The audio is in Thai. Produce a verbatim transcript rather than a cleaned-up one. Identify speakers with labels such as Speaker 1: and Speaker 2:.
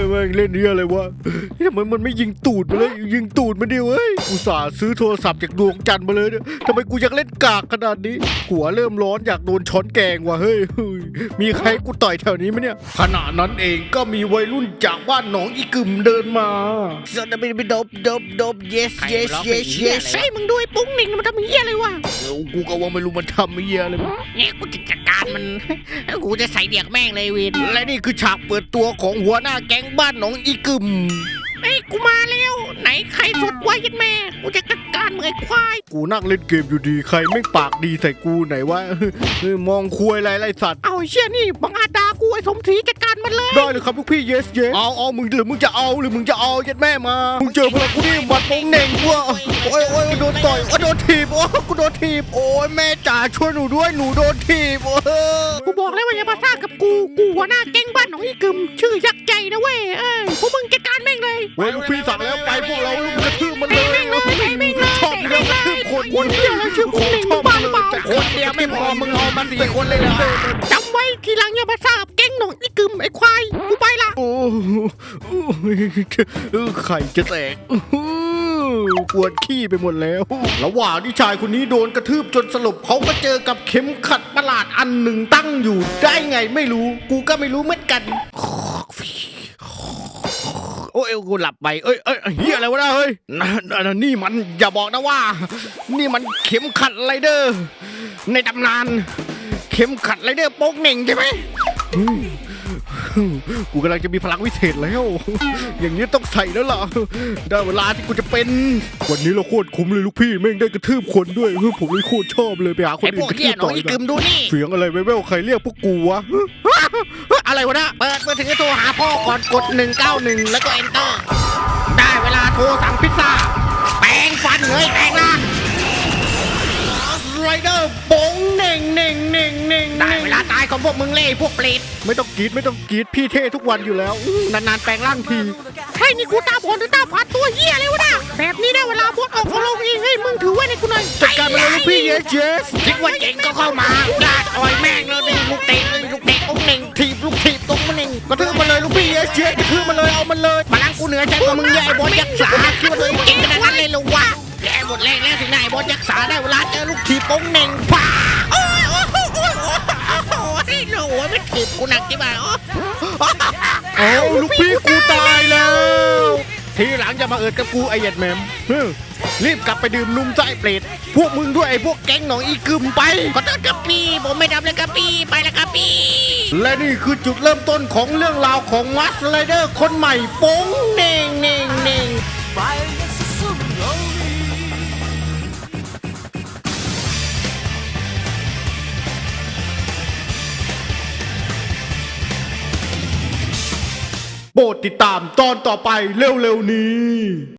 Speaker 1: แม่งเล่นเหี้ยอะไรวะทำไมมันไม่ยิงตูดมาเลยยิงตูดมันดิเว้ยอุตส่าห์ซื้อโทรศัพท์จากดวงจันทร์มาเลยเนี่ยทำไมกูอยากเล่นกากขนาดนี้หัวเริ่มร้อนอยากโดนช้อนแกงว่ะเฮ้ยมีใครกูต่อยแถวนี้ไหมเนี่ยขณะนั้นเองก็มีวัยรุ่นจากบ้านหนองอีกึ่มเดินมาสนบินบินดบดบดบ yes yes yes yes
Speaker 2: ใช่มึงด้วยปุ้งหนิงมันทำเหี้ยอะไรวะ
Speaker 1: เออกูก็ว่าไม่รู้มันทำเหี้ยอะไรวะ
Speaker 2: เนี่ยกูจะจัดการมัน กูจะใส่เดียกแม่งเลยเวน
Speaker 1: และนี่คือฉากเปิดตัวของหัวหน้าแก๊งบ้านหนองอีกึ่ม
Speaker 2: ไอ้ยกูมาแล้วไหนใครสุดไว้ยันแม่กูจะจัดการมึงไอ้ควาย
Speaker 1: กูนั่งเล่นเกมอยู่ดีใครไม่ปากดีใส่กูไหนวะ เฮ้ยมองคุยอะไรไรสัตว์
Speaker 2: เอาไอ้เชี่ยนี่บังอาจด่ากูไอ้สมศรีจัดการมันเลย
Speaker 1: ได้เลยครับลูกพี่ yes yes เอาเอามึงหรือมึงจะเอาหรือมึงจะเอายัดแม่มามึงเจอพลังกูนี่บัดโป่งเหน่งกูอะโอ้ยโอ้ยโดนต่อยโอ้ยโดนถีบโอ้ยกูโดนถีบโอ้ยแม่จ๋าช่วยหนูด้วยหนูโดนถีบโอ้ย
Speaker 2: กูบอกแล้วว่าอย่ามาซ่ากับกูกูหัวหน้าแก๊งบ้านหนองอีกึมชื่อยักษ์ใจนะเว้ยเอ้ยพวกมึงจัดการแม่งเลย
Speaker 1: เว้ยลูกพี่สั่งแล้วไปพวกเราลูกกระทืบมันเลย
Speaker 2: แม่งเลยแม่งเลย
Speaker 1: ชอบอยู่แล้วกระทืบคน
Speaker 2: คนเดียวแล้วชื่อคุณเหน่ง
Speaker 1: ชอบ
Speaker 2: บ้า
Speaker 1: เลย
Speaker 2: เปล่า
Speaker 1: แต่คนเดียวไม่พอมึงเอามาสี่คนเลยเหรอ
Speaker 2: จำไว้ทีหลังอย่ามาซ่ากับแก๊งหนองอีกึมไอ้ควายกูไปละ
Speaker 1: โอ้โอ้เออไข่จะแตกอื้อหือปวดขี้ไปหมดแล้ว ระหว่างที่ชายคนนี้โดนกระทืบจนสลบเขาก็เจอกับเข็มขัดประหลาดอันหนึ่งตั้งอยู่ได้ไงไม่รู้ กูก็ไม่รู้เหมือนกัน โอ้ยกูหลับไปเอ้ยเอ้ยเฮียอะไรวะนะเฮ้ยนั่นนั่นนี่มันอย่าบอกนะว่า นี่มันเข็มขัดไรเดอร์ ในตำนาน เข็มขัดไรเดอร์โป๊กเหน่งใช่ไหม กูกำลังจะมีพลังวิเศษแล้ว อย่างนี้ต้องใส่แล้วล่ะ ได้เวลาที่กูจะเป็น วันนี้เราโคตรคุ้มเลยลูกพี่แม่งได้กระทืบคนด้วยเฮ้ยผมเลยโคตรชอบเลยไปหาคน
Speaker 2: ไอ้พ
Speaker 1: อื่
Speaker 2: วน ก
Speaker 1: กระทื
Speaker 2: เหี้ย
Speaker 1: บ
Speaker 2: หนอ
Speaker 1: ต่
Speaker 2: ง
Speaker 1: อย
Speaker 2: อี
Speaker 1: กั
Speaker 2: กึ
Speaker 1: น
Speaker 2: มดูนี่
Speaker 1: เสียงอะไรแว่วๆใครเรียกพวกกูวะ
Speaker 2: อะไรวะนะเปิดมือถือโทรหาพ่อก่อนกดหนึ่งเก้าหนึ่งแล้วก็ enter ได้เวลาโทรสั่งพิซซ่าแปลงฟันเลยแปลงร่าง
Speaker 1: ไรเดอร์โป๋งเหน่งเหน่งเหน่งเหน่ง
Speaker 2: ได้เวลาตายของพวกมึงเล่พวกเปรต
Speaker 1: ไม่ต้องกรีดไม่ต้องกรีดพี่เท่ทุกวันอยู่แล้วอื้อนานๆแปลงร่างที
Speaker 2: เฮ้ยนี่กูตาบอดหรือตาฝาดตัวเหี้ยเลยวะนะแบบนี้ได้เวลาบดออกของลงเองเฮ้ยมึงถือไว้ในกูหน่อย
Speaker 1: จัดการไปเลยลูกพี่ yes yes
Speaker 2: คิดว่าเจ๋งก็เข้ามาญาติอ่อยแม่งเลยนี่ลูกเตะเลยลูกเตะองค์หนึ่งถีบลูกถีบตรงมันเอง
Speaker 1: กระทืบมันเลยลูกพี่ yes yes กระทืบมันเลยเอามันเลย
Speaker 2: พลังกูเหนือใจกว่ามึงใหญ่บอลยักษ์สาคิดว่าตัวเองเก่งขนาดนั้นเลยเหรอวะแกหมดแรงแล้วถึงไหนบอลยักษ์สาได้เวลาเจอลูกถีบองค์หนึ่งป้าโอ้ยโอ้ยโอ้ยโอ้ยโอ้ยโอ้ยโอ้ยไม่ถีบกูหนักที่บ้า
Speaker 1: เอาลูกพี่กูตายแล้ว ทีหลังจะมาเอิดกับกูไอเย็ดแมมเฮ้ยรีบกลับไปดื่มนุ่มใจเปรตพวกมึงด้วยไอพวกแก๊งหนองอีกึมไป
Speaker 2: ขอโทษครับพี่ผมไม่ทำเลยครับพี่ไปแล้วครับพี่
Speaker 1: และนี่คือจุดเริ่มต้นของเรื่องราวของมัสไรเดอร์คนใหม่โป้งเน่งเน่งเน่งโปรดติดตามตอนต่อไปเร็วๆนี้